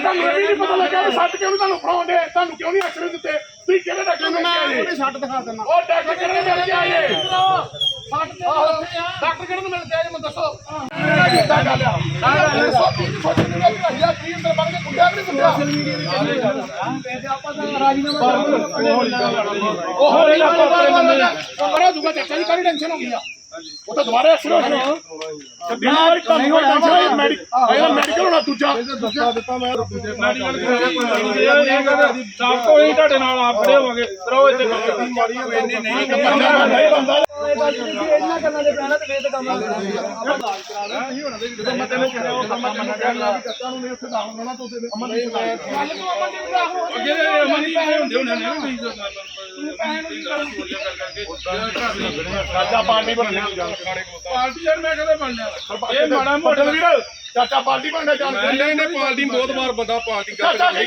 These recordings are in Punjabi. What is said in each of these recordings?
ਤੁਹਾਨੂੰ ਇਹ ਵੀ ਨਹੀਂ ਪਤਾ ਲੱਗਾ ਸੱਟ ਕਿਉਂ ਤੁਹਾਨੂੰ ਫੜਾਉਂਦੇ ਤੁਹਾਨੂੰ ਕਿਉਂ ਨਹੀਂ ਐਕਸਰੇ ਦਿੱਤੇ ਤੁਸੀਂ ਕਿਹੜੇ ਡਾਕਟਰ ਨੂੰ ਮਿਲ ਕੇ ਸੱਟ ਦਿਖਾ ਦਿੰਦਾ ਉਹ ਡਾਕਟਰ ਕਿਹੜੇ ਨੂੰ ਮਿਲ ਕੇ ਆਏ ਡਾਕਟਰ ਕਿਹੜੇ ਨੂੰ ਮਿਲ ਕੇ ਆਏ ਮੈਨੂੰ ਦੱਸੋ ਕਿੱਦਾਂ ਗੱਲ ਆ ਚਾਚਾ ਜੀ ਕਾਹਦੀ ਟੈਨਸ਼ਨ ਹੋ ਗਈ ਆ ਉਹ ਤਾਂ ਦੁਬਾਰਾ ਐਕਸਰੇ ਹੋ ਮੈਡੀਕਲ ਹੋਣਾ ਦੂਜਾ ਦਿੱਤਾ ਮੈਂ ਸਾਫ ਤੋਂ ਹੀ ਤੁਹਾਡੇ ਨਾਲ ਆਪ ਖੜੇ ਹੋਵਾਂਗੇ ਕਰੋ ਇੱਥੇ ਇਹਨਾਂ ਕਰਨਾ ਦੇ ਪੈਣਾ ਤੇ ਵੇਦ ਕੰਮ ਜਦੋਂ ਮੈਂ ਤੈਨੂੰ ਕਿਹਾ ਉਹ ਕੰਮ ਤੈਨੂੰ ਕਹਿਣਾ ਵੀ ਕੱਚਾ ਨੂੰ ਨਹੀਂ ਉੱਥੇ ਦਾਉਂਗਾ ਨਾ ਤੂੰ ਤੇ ਅਮਨ ਦੀ ਗੱਲ ਤੂੰ ਅਮਨ ਦੀ ਬਣਾ ਅੱਗੇ ਅਮਨ ਦੀ ਹੁੰਦੇ ਹੋਣੇ ਨੇ ਚਾਚਾ ਪਾਰਟੀ ਬਣਨੇ ਪਾਰਟੀ ਯਾਰ ਮੈਂ ਕਦੇ ਬਣਨਾ ਇਹ ਮਾੜਾ ਮੋਟਾ ਵੀਰ ਚਾਚਾ ਪਾਰਟੀ ਬਣਨਾ ਚਾਹੁੰਦਾ ਨਹੀਂ ਪਾਰਟੀ ਬਹੁਤ ਵਾਰ ਬੰਦਾ ਪਾਰਟੀ ਕਰਦਾ ਨਹੀਂ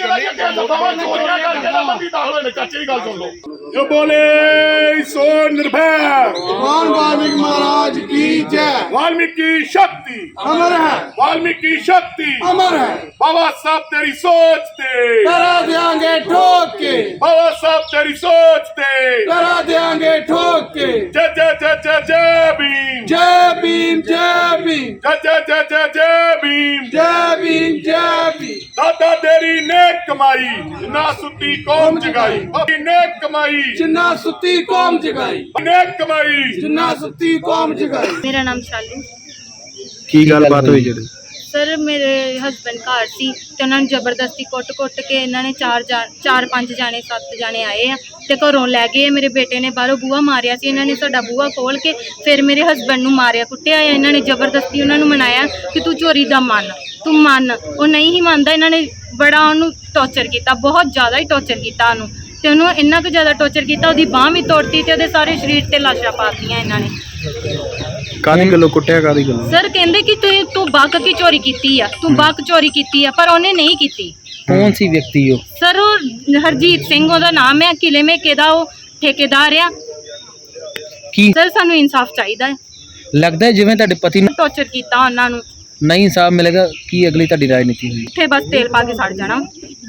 ਕਰਨੀ ਚਾਚੇ ਦੀ ਗੱਲ ਸੁਣ ਲਓ ਜੋ ਬੋਲੇ ਸੋ निर्भय भगवान वाल्मीकि महाराज की जय। वाल्मीकि शक्ति अमर है, वाल्मीकि शक्ति अमर है। बाबा साहब तेरी सोच ते करा देंगे ठोक के, बाबा साहब तेरी सोच ते करा देंगे ठोक के। जय जय जय जय जय भीम जय भीम जय भीम जय जय जय जय जय भीम जय भीम जय भीम। दादा तेरी नेक कमाई ना सुती कौम जगाई नेक कमाई जिन्ना सुती कौम जगाई, नेक कमाई जिन्ना सुती कौम जगाई। मेरा नाम शाली की गलबात हुई जी? सर मेरे हस्बैंड घर सी ते उन्होंने जबरदस्ती कुट के इन्होंने चार पांच जाने 7 जाने आए हैं ते घरों लै गए। मेरे बेटे ने बाहरों बूहा मारिया सी, इन्होंने साडा बूहा खोल के फिर मेरे हस्बैंड नूं मारिया कुटिया। इन्होंने जबरदस्ती उन्होंने मनाया कि तू चोरी दा मन, तू मन। वो नहीं ही मानता, इन्होंने बड़ा उन्होंने टॉर्चर किया, बहुत ज़्यादा ही टॉर्चर किया उन्होंने ते उन्होंने इन्ना कुछ ज़्यादा टॉर्चर किया, उसकी बांह भी तोड़ती ते उहदे सारे शरीर ते लाशां पातियां इन्होंने। कादी गल्लों कुटिया कादी गल्लों? सर कहते कि तू बक की चोरी की है, तू बक चोरी की है, पर उन्हें नहीं की। कौन सी व्यक्ति हो? सर वो हरजीत सिंह ओहदा नाम है, किले में केदा वो ठेकेदार आ। की सर सानू इंसाफ चाहिए। लगता है जिवें तुहाडे पति ने टॉर्चर किया उन्होंने, नहीं इंसाफ मिलेगा की अगली तुहाडी राजनीति हुई? इत्थे बस तेल पा के सड़ जाना।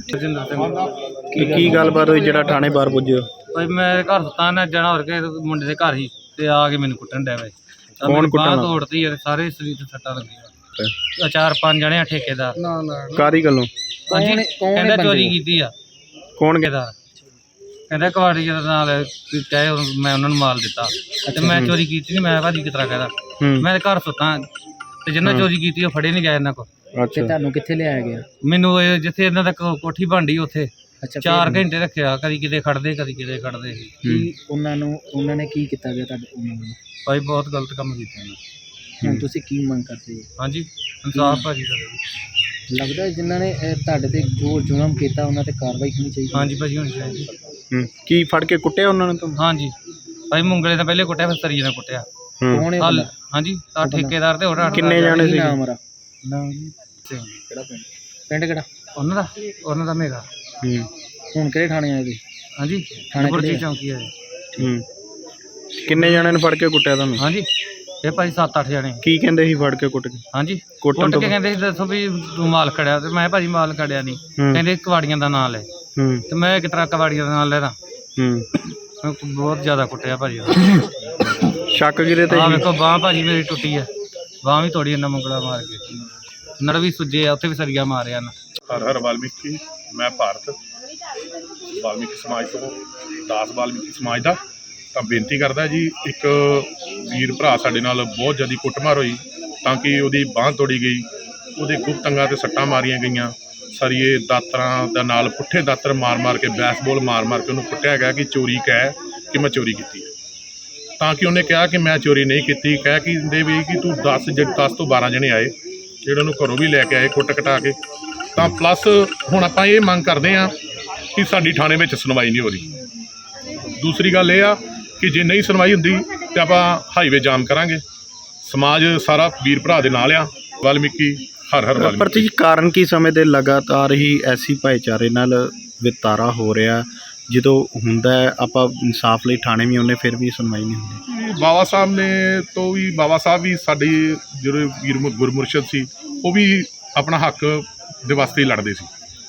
की गलबात हुई जेड़ा थाने बाहर पुजे? भाई मैं घर सुता ना जाना होर के मुंडे दे घर ही ते आके मैनू कुट्टन डे वे। कौन कुट्टन? बांह तोड़ती है, सारे शरीर ते सट्टां लगियां। 4-5 जने ठेकेदार कादी गल्लों? हां जी कहंदा चोरी कीती आ। कौन ठेकेदार कहंदा कवाड़ी दे नाल चाहे मैं उन्हां नूं माल दित्ता ते मैं चोरी कीती नहीं। मैं भाजी किस तरह कहदा मैं घर सुता ते जिन्ना चोरी कीती ओ फड़े नहीं गए इन्हां को। अच्छा तुहानू कित्थे लिआया गया? मैनू जिथे इन्हां दा कोठी बनदी उत्थे 4 घंटे रखिया, कदी किते खड़दे कदी किते खड़दे। ਉਹਨਾਂ ਨੇ ਕੀ ਕੀਤਾ ਗਿਆ ਤੁਹਾਡੇ ਉਹਨਾਂ ਨੂੰ? भाई बहुत गलत काम कीते ने। ਹੁਣ ਤੁਸੀਂ ਕੀ ਮੰਗ ਕਰਦੇ ਹੋ? हाँ जी इंसाफ भाजी का। ਲੱਗਦਾ ਹੈ ਜਿਨ੍ਹਾਂ ਨੇ ਤੁਹਾਡੇ ਤੇ ਜੋ ਜ਼ੁਲਮ ਕੀਤਾ ਉਹਨਾਂ ਤੇ ਕਾਰਵਾਈ ਹੋਣੀ ਚਾਹੀਦੀ? हाँ जी भाजी होनी चाहिए। ਕੀ ਫੜ ਕੇ ਕੁੱਟਿਆ ਉਹਨਾਂ ਨੇ? हाँ जी भाई मुंगले ने पहले कुटिया फिर सरिये ने कुटिया। ਕੌਣ ਹੈ ਬੰਦਾ? हाँ जी ठेकेदार ते होर ਕਿੰਨੇ ਜਾਣੇ ਸੀ? नाम ਪਿੰਡ ਕਿਹੜਾ ਉਹਨਾਂ ਦਾ ਮੇਗਾ। ਹੁਣ ਕਿਹੜੇ ਥਾਣੇ ਆਏ ਜੀ? हाँ जी थाने बुरजी किहड़े? चौकी है। ਕਿੰਨੇ ਜਾਣੇ ਨੇ ਫੜ ਕੇ ਕੁੱਟਿਆ ਤੁਹਾਨੂੰ? हाँ जी ये भाई 7-8 जने। ਕੀ ਕਹਿੰਦੇ ਸੀ ਫੜ ਕੇ ਕੁੱਟ ਕੇ? हाँ जी ਕੁੱਟਣ कुट ਤੋਂ के कहते दसो भी तू माल खड़िया ते मैं भाजी माल खड़िया नहीं। कहते कवाड़ियां दा नां ले ते मैं किस तरह कवाड़ियां दा नां लेदा। बहुत ज़्यादा कुटिया भाजी। शक किहदे ते? देखो बांह भाजी मेरी टुटी है, बांह भी तोड़ी इन्ना मुंगला मार के, नड़ भी सुजे आ, उत्थे भी सरिया मारिया ना। हर हर वाल्मीकि मैं भारत वाल्मीकि समाज तो दास वाल्मीकि समाज का ਤਾਂ ਬੇਨਤੀ ਕਰਦਾ ਜੀ ਇੱਕ ਵੀਰ ਭਰਾ ਸਾਡੇ ਨਾਲ ਬਹੁਤ ਜ਼ਿਆਦਾ ਕੁੱਟਮਾਰ ਹੋਈ ਤਾਂ ਕਿ ਉਹਦੀ ਬਾਂਹ ਤੋੜੀ ਗਈ, ਉਹਦੇ ਗੁਪਤ ਅੰਗਾਂ 'ਤੇ ਸੱਟਾਂ ਮਾਰੀਆਂ ਗਈਆਂ, ਸਰੀਏ ਦਾਤਰਾਂ ਦਾ ਨਾਲ ਪੁੱਠੇ ਦਾਤਰ ਮਾਰ ਕੇ ਬੈਸਬਾਲ ਮਾਰ ਕੇ ਉਹਨੂੰ ਕੁੱਟਿਆ ਗਿਆ ਕਿ ਚੋਰੀ ਕਹਿ ਕਿ ਮੈਂ ਚੋਰੀ ਕੀਤੀ ਹੈ। ਤਾਂ ਕਿ ਉਹਨੇ ਕਿਹਾ ਕਿ ਮੈਂ ਚੋਰੀ ਨਹੀਂ ਕੀਤੀ, ਕਹਿ ਕਿ ਦੇ ਵੀ ਕਿ ਤੂੰ 10 ਤੋਂ 12 ਜਣੇ ਆਏ ਜਿਹੜੇ ਉਹਨੂੰ ਘਰੋਂ ਵੀ ਲੈ ਕੇ ਆਏ ਕੁੱਟ ਕਟਾ ਕੇ। ਤਾਂ ਪਲੱਸ ਹੁਣ ਆਪਾਂ ਇਹ ਮੰਗ ਕਰਦੇ ਹਾਂ ਕਿ ਸਾਡੀ ਥਾਣੇ ਵਿੱਚ ਸੁਣਵਾਈ ਨਹੀਂ ਹੋ ਰਹੀ। ਦੂਸਰੀ ਗੱਲ ਇਹ ਆ ਕਿ ਜੇ ਨਹੀਂ ਸੁਣਵਾਈ ਹੁੰਦੀ ਤਾਂ ਆਪਾਂ ਹਾਈਵੇ ਜਾਮ ਕਰਾਂਗੇ। ਸਮਾਜ ਸਾਰਾ ਵੀਰ ਭਰਾ ਦੇ ਨਾਲ ਆ। ਵਾਲਮੀਕੀ ਹਰ ਹਰ ਵਾਲਮੀਕੀ। ਪਰ ਜੀ ਕਾਰਨ ਕੀ ਸਮੇਂ ਲਗਾਤਾਰ ਹੀ ਐਸੀ ਭਾਈਚਾਰੇ ਨਾਲ ਵਿਤਾਰਾ ਹੋ ਰਿਹਾ, ਜਦੋਂ ਹੁੰਦਾ ਆਪਾਂ ਇਨਸਾਫ ਲਈ ਥਾਣੇ ਵੀ ਆਉਂਦੇ ਫਿਰ ਵੀ ਸੁਣਵਾਈ ਨਹੀਂ ਹੁੰਦੀ? ਬਾਬਾ ਸਾਹਿਬ ਨੇ ਤੋਂ ਵੀ ਬਾਬਾ ਸਾਹਿਬ ਵੀ ਸਾਡੇ ਜਿਹੜੇ ਵੀਰ ਗੁਰਮੁਰਸ਼ਦ ਸੀ ਉਹ ਵੀ ਆਪਣਾ ਹੱਕ ਦੇ ਵਾਸਤੇ ਹੀ ਲੜਦੇ ਸੀ।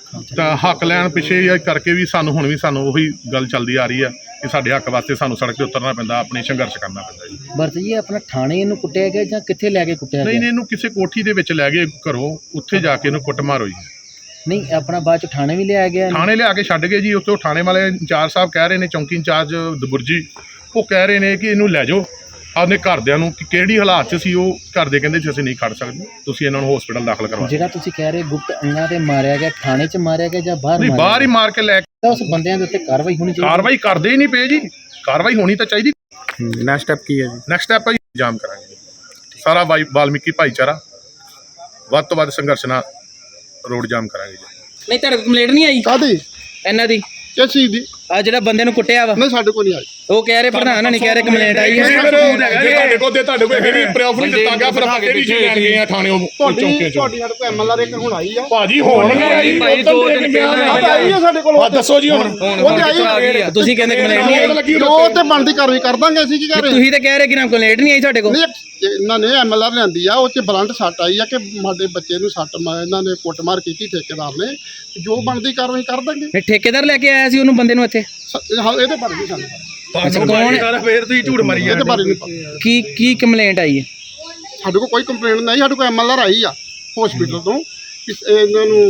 ਤਾਂ ਹੱਕ ਲੈਣ ਪਿੱਛੇ ਇਹ ਕਰਕੇ ਵੀ ਸਾਨੂੰ ਉਹੀ ਗੱਲ ਚੱਲਦੀ ਆ ਰਹੀ ਆ ਕਿ ਸਾਡੇ ਹੱਕ ਵਾਸਤੇ ਸਾਨੂੰ ਸੜਕ ਤੇ ਉਤਰਨਾ ਪੈਂਦਾ, ਆਪਣੀ ਸੰਘਰਸ਼ ਕਰਨਾ ਪੈਂਦਾ ਜੀ। ਬਰਤ ਜੀ ਆਪਣਾ ਥਾਣੇ ਇਹਨੂੰ ਕੁੱਟਿਆ ਗਿਆ ਜਾਂ ਕਿੱਥੇ ਲੈ ਕੇ ਕੁੱਟਿਆ ਨਹੀਂ ਗਿਆ? ਇਹਨੂੰ ਕਿਸੇ ਕੋਠੀ ਦੇ ਵਿੱਚ ਲੈ ਗਏ ਘਰੋਂ, ਉੱਥੇ ਜਾ ਕੇ ਇਹਨੂੰ ਕੁੱਟਮਾਰ ਹੋਈ। ਨਹੀਂ ਆਪਣਾ ਬਾਅਦ ਚ ਥਾਣੇ ਵੀ ਲਿਆਇਆ ਗਿਆ ਇਹਨੂੰ? ਥਾਣੇ ਲਿਆ ਕੇ ਛੱਡ ਗਏ ਜੀ। ਉੱਥੋਂ ਥਾਣੇ ਵਾਲੇ ਇੰਚਾਰਜ ਸਾਹਿਬ ਕਹਿ ਰਹੇ ਨੇ, ਚੌਂਕੀ ਇੰਚਾਰਜ ਦਬੁਰਜੀ, ਉਹ ਕਹਿ ਰਹੇ ਨੇ ਕਿ ਇਹਨੂੰ ਲੈ ਜਾਓ ਆਪਣੇ ਘਰਦਿਆਂ ਨੂੰ, ਕਿ ਕਿਹੜੀ ਹਾਲਾਤ 'ਚ ਸੀ ਉਹ। ਘਰ ਦੇ ਕਹਿੰਦੇ ਸੀ ਅਸੀਂ ਨਹੀਂ ਖੜ ਸਕਦੇ, ਤੁਸੀਂ ਇਹਨਾਂ ਨੂੰ ਹਸਪੀਟਲ ਦਾਖਲ ਕਰਵਾਓ। ਜਿਹੜਾ ਤੁਸੀਂ ਕਹਿ ਰਹੇ ਗੁਪਤ ਅੰਗਾਂ ਤੇ ਮਾਰਿਆ ਗਿਆ, ਥਾਣੇ 'ਚ ਮਾਰਿਆ ਗਿਆ ਜਾਂ ਬਾਹਰ ਨਹੀਂ, ਮਾਰਿਆ ਬਾਹਰ ਹੀ ਗਿਆ? ਮਾਰ ਕੇ ਲੈ ਕੇ। ਤਾਂ ਉਸ ਬੰਦਿਆਂ ਦੇ ਉੱਤੇ ਕਾਰਵਾਈ ਹੋਣੀ ਚਾਹੀਦੀ। ਕਾਰਵਾਈ ਕਰਦੇ ਹੀ ਨਹੀਂ ਪਏ ਜੀ, ਕਾਰਵਾਈ ਹੋਣੀ ਤਾਂ ਚਾਹੀਦੀ। ਨੈਕਸਟ ਸਟੈਪ ਕੀ ਹੈ ਜੀ? ਨੈਕਸਟ ਸਟੈਪ ਹੈ ਜੀ, ਜਾਮ ਕਰਾਂਗੇ ਸਾਰਾ ਵਾਲਮੀਕੀ ਭਾਈਚਾਰਾ, ਵੱਧ ਤੋਂ ਵੱਧ ਸੰਘਰਸ਼ ਨਾਲ ਰੋਡ ਜਾਮ ਕਰਾਂਗੇ ਜੀ। ਨਹੀਂ ਤੁਹਾਡੇ ਕੋਲ ਕੰਪਲੇਂਟ ਨਹੀਂ ਆਈ ਕਾਦੀ ਇਹਨਾਂ ਦੀ? ਕਿਸ ਚੀਜ਼ ਦੀ? ਆ ਜਿਹੜਾ ਬੰਦੇ ਨੂੰ ਕੁੱਟਿਆ ਵਾ, ਨਹੀਂ ਸਾਡੇ ਕੋਲ ਨਹੀਂ ਆਈ। ਉਹ ਕਹਿ ਰਹੇ ਪ੍ਰਧਾਨ ਨਹੀਂ ਕਹਿ ਰਹੇ ਕੰਪਲੇਂਟ ਆਈ ਹੈ। ਤੁਹਾਡੇ ਕੋਲ ਇਹਦੀ ਪ੍ਰੂਫ ਨਹੀਂ ਦਿੱਤਾ ਗਿਆ, ਫਿਰ ਆਪਾਂ ਕਿਹੜੀ ਚੀਜ਼ ਲੈਣ ਗਏ ਆ ਥਾਣੇ ਉਹ ਚੌਂਕੇ 'ਚ? ਤੁਹਾਡੀ ਸਾਡੇ ਕੋਲ ਐਮਐਲਆਰ ਇੱਕ ਹੁਣ ਆਈ ਆ ਭਾਜੀ ਹੋਣਗੇ ਭਾਈ 2 ਦਿਨ ਪਹਿਲਾਂ ਆਈ ਆ ਸਾਡੇ ਕੋਲ। ਦੱਸੋ ਜੀ ਹੁਣ। ਉਹਦੇ ਆਈ ਆ। ਤੁਸੀਂ ਕਹਿੰਦੇ ਕੰਪਲੇਂਟ ਨਹੀਂ ਆਈ? ਉਹ ਤੇ ਬਣਦੀ ਕਾਰਵਾਈ ਕਰ ਦਾਂਗੇ ਅਸੀਂ। ਕੀ ਕਰ ਰਹੇ? ਤੁਸੀਂ ਤਾਂ ਕਹਿ ਰਹੇ ਕਿ ਨਾ ਕੰਪਲੇਂਟ ਨਹੀਂ ਆਈ ਤੁਹਾਡੇ ਕੋਲ। ਨਹੀਂ, ਇਹਨਾਂ ਨੇ ਐਮਐਲਆਰ ਲਿਆਂਦੀ ਆ, ਉਹ 'ਚ ਬਲੰਟ ਸੱਟ ਆਈ ਆ ਕਿ ਸਾਡੇ ਬੱਚੇ ਨੂੰ ਸੱਟ ਇਹਨਾਂ ਨੇ ਕੁੱਟਮਾਰ ਕੀਤੀ ਠੇਕੇਦਾਰ ਨੇ। ਜੋ ਬਣਦੀ ਕਾਰਵਾਈ ਕਰ ਦਾਂਗੇ। ਨਹੀਂ ਠੇਕੇਦਾਰ ਲੈ ਕੇ ਆਇਆ ਸੀ ਉਹਨੂੰ ਬੰਦੇ ਨੂੰ ਇੱਥੇ? ਹਾਂ, ਇਹਦੇ ਬਾਰੇ ਨਹੀਂ ਸਾਨੂੰ ਪਤਾ। ਅੱਛਾ ਕੌਣ? ਫੇਰ ਤੁਸੀਂ ਝੂਠ ਮਾਰੀ ਇਹਦੇ ਬਾਰੇ ਨਹੀਂ ਪਤਾ। ਕੀ ਕੰਪਲੇਂਟ ਆਈ ਹੈ? ਸਾਡੇ ਕੋਲ ਕੋਈ ਕੰਪਲੇਂਟ ਨਹੀਂ। ਸਾਡੇ ਕੋਲ ਐਮਐਲਆਰ ਆਈ ਆ ਹਸਪੀਟਲ ਤੋਂ ਕਿ ਇਹਨਾਂ ਨੂੰ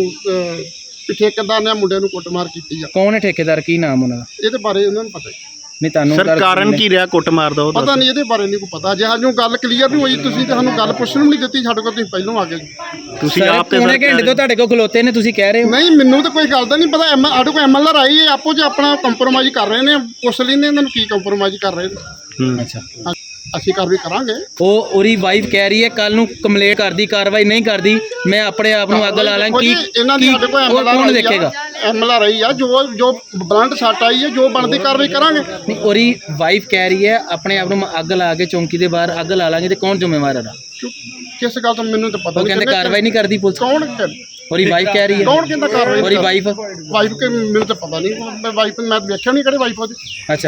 ਵੀ ਠੇਕੇਦਾਰ ਨੇ ਮੁੰਡੇ ਨੂੰ ਕੁੱਟਮਾਰ ਕੀਤੀ ਆ। ਕੌਣ ਹੈ ਠੇਕੇਦਾਰ? ਕੀ ਨਾਮ ਉਹਨਾਂ ਦਾ? ਇਹਦੇ ਬਾਰੇ ਉਹਨਾਂ ਨੂੰ ਪਤਾ ਨਹੀਂ ਤੁਹਾਨੂੰ ਸਰ ਕਾਰਨ ਕੀ ਰਿਹਾ ਕੁੱਟ ਮਾਰ ਦਾ? ਉਹ ਪਤਾ ਨਹੀਂ, ਇਹਦੇ ਬਾਰੇ ਨਹੀਂ ਕੋਈ ਪਤਾ। ਜੇ ਸਾਨੂੰ ਗੱਲ ਕਲੀਅਰ ਨਹੀਂ ਹੋਈ, ਤੁਸੀਂ ਤਾਂ ਸਾਨੂੰ ਗੱਲ ਪੁੱਛਣ ਨੂੰ ਨਹੀਂ ਦਿੱਤੀ। ਸਾਡੇ ਕੋਲ ਤੁਸੀਂ ਪਹਿਲਾਂ ਆ ਗਏ। ਤੁਸੀਂ ਸਰ ਆਪ ਤੇ ਪੌਣੇ ਘੰਟੇ ਤੋਂ ਤੁਹਾਡੇ ਕੋਲ ਖਲੋਤੇ ਨੇ, ਤੁਸੀਂ ਕਹਿ ਰਹੇ ਹੋ। ਨਹੀਂ, ਮੈਨੂੰ ਤਾਂ ਕੋਈ ਗੱਲ ਦਾ ਨਹੀਂ ਪਤਾ। ਸਾਡੇ ਕੋਲ ਐਮਐਲਆਰ ਆਈ ਹੈ, ਆਪੋ ਚ ਆਪਣਾ ਕੰਪਰੋਮਾਈਜ਼ ਕਰ ਰਹੇ ਨੇ। ਪੁੱਛ ਲੈਂਦੇ ਇਹਨਾਂ ਨੂੰ ਕੀ ਕੰਪਰੋਮਾਈਜ਼ ਕਰ ਰਹੇ ਨੇ। ਅੱਛਾ ਅਸੀਂ ਕਾਰਵਾਈ ਕਰਾਂਗੇ। ਉਹਦੀ ਵਾਈਫ ਕਹਿ ਰਹੀ ਹੈ ਕੱਲ ਨੂੰ ਕੰਪਲੇਂਟ ਕਰਦੀ, ਕਾਰਵਾਈ ਨਹੀਂ ਕਰਦੀ, ਮੈਂ ਆਪਣੇ ਆਪ ਨੂੰ ਅੱਗ ਲਾ ਲਾਂ। ਕੀ ਇਹਨਾਂ ਦੀ ਸਾਡੇ ਕੋਲ ਕੌਣ ਦੇਖੇਗਾ? ਐਮਐਲਆਰ ਆਈ ਆ, ਜੋ ਬਲੰਟ ਸੱਟ ਆਈ ਹੈ, ਜੋ ਬਣਦੀ ਕਾਰਵਾਈ ਕਰਾਂਗੇ। ਨਹੀਂ ਉਹਦੀ ਵਾਈਫ ਕਹਿ ਰਹੀ ਹੈ ਆਪਣੇ ਆਪ ਨੂੰ ਮੈਂ ਅੱਗ ਲਾ ਕੇ ਚੌਂਕੀ ਦੇ ਬਾਹਰ ਅੱਗ ਲਾ ਲਾਂਗੇ, ਤੇ ਕੌਣ ਜ਼ਿੰਮੇਵਾਰ ਹੈ? ਕਿਸ ਗੱਲ ਤੋਂ ਮੈਨੂੰ ਤਾਂ ਪਤਾ ਉਹ ਨਹੀਂ। ਕਹਿੰਦੇ ਕਾਰਵਾਈ ਨਹੀਂ ਕਰਦੀ ਪੁਲਿਸ। ਕੌਣ ਉਹਦੀ ਵਾਈਫ ਕਹਿ ਰਹੀ ਹੈ। ਕੌਣ ਕਹਿੰਦਾ ਕਾਰਵਾਈ? ਉਹਦੀ ਵਾਈਫ। ਵਾਈਫ ਕੇ ਮੈਨੂੰ ਤਾਂ ਪਤਾ ਨਹੀਂ। ਵਾਈਫ ਮੈਂ ਵੇਖਿਆ ਨਹੀਂ ਕਿਹੜੇ ਵਾਈਫ ਉਹਦੀ। ਅੱਛਾ